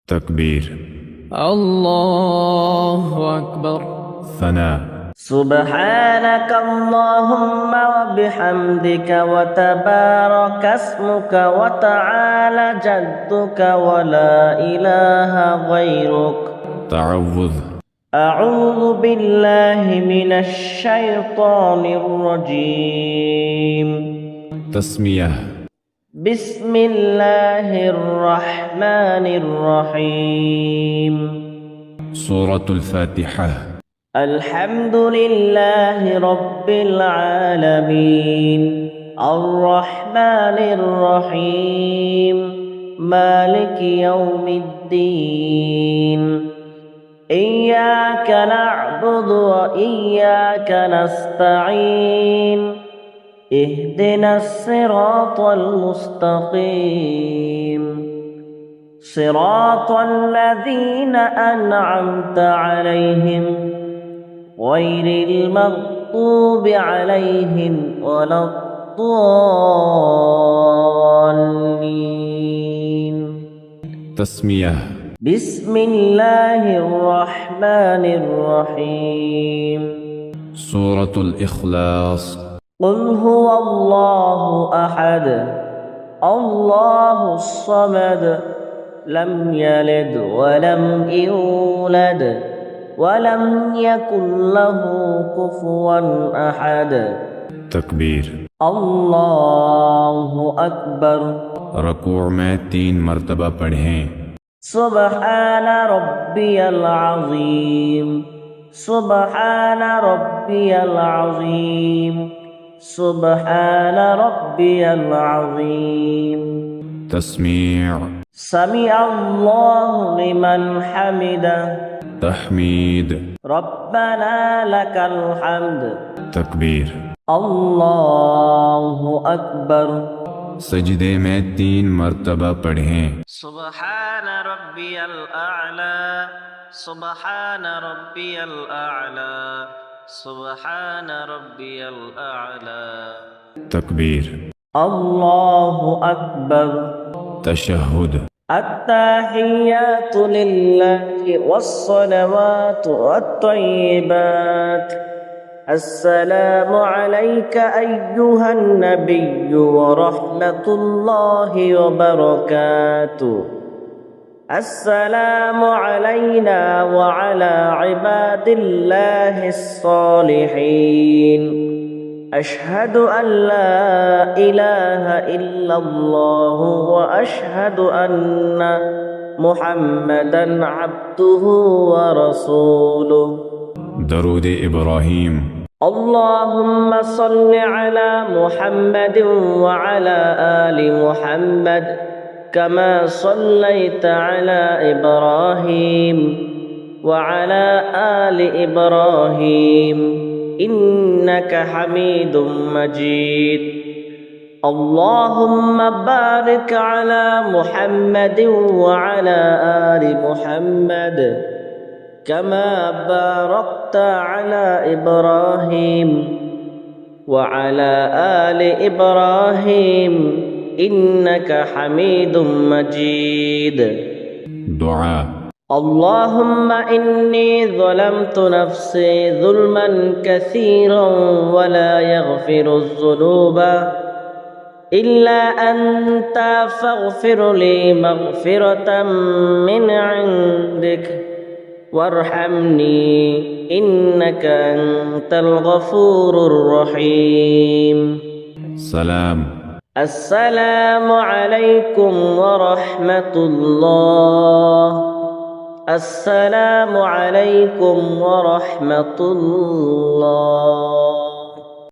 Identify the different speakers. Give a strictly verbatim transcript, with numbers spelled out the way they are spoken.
Speaker 1: تكبير.
Speaker 2: الله أكبر.
Speaker 1: ثناء.
Speaker 3: سبحانك اللهم وبحمدك وتبارك اسمك وتعالى جدك ولا إله غيرك.
Speaker 1: تعوذ.
Speaker 3: أعوذ بالله من الشيطان الرجيم.
Speaker 1: تسمية.
Speaker 3: بسم الله الرحمن الرحيم.
Speaker 1: سورة الفاتحة.
Speaker 3: الحمد لله رب العالمين الرحمن الرحيم مالك يوم الدين إياك نعبد وإياك نستعين اهدنا الصراط المستقيم صراط الذين أنعمت عليهم غير المغضوب عليهم ولا الضالين.
Speaker 1: تسمية.
Speaker 3: بسم الله الرحمن الرحيم.
Speaker 1: سورة الإخلاص.
Speaker 3: قل هو الله أحد الله الصمد لم يلد ولم يولد ولم يكن له كفوا أحد.
Speaker 1: تكبير.
Speaker 3: الله أكبر.
Speaker 1: रकूअ में तीन मर्तबा पढ़ें।
Speaker 3: سبحان ربي العظيم سبحان ربي العظيم سبحان ربي العظيم.
Speaker 1: تسميع.
Speaker 3: سمع الله لمن حمده.
Speaker 1: تحميد.
Speaker 3: ربنا لك الحمد.
Speaker 1: تكبير.
Speaker 3: الله أكبر.
Speaker 1: सजदे में तीन मर्तबा पढ़ें।
Speaker 3: سبحان ربي الأعلى سبحان ربي الأعلى سبحان ربي الأعلى.
Speaker 1: تكبير.
Speaker 3: الله أكبر.
Speaker 1: تشهد.
Speaker 3: التحيات لله والصلوات والطيبات. السلام عليك أيها النبي ورحمة الله وبركاته. السلام علينا وعلى عباد الله الصالحين. أشهد أن لا إله إلا الله وأشهد أن محمدا عبده ورسوله.
Speaker 1: درود إبراهيم.
Speaker 3: اللهم صل على محمد وعلى آل محمد كما صليت على إبراهيم وعلى آل إبراهيم إنك حميد مجيد. اللهم بارك على محمد وعلى آل محمد كما باركت على إبراهيم وعلى آل إبراهيم إنك حميد مجيد.
Speaker 1: دعاء.
Speaker 3: اللهم إني ظلمت نفسي ظلما كثيرا ولا يغفر الذنوب إلا أنت فاغفر لي مغفرة من عندك وارحمني إنك أنت الغفور الرحيم.
Speaker 1: سلام.
Speaker 3: السلام عليكم ورحمة الله. السلام عليكم ورحمة الله.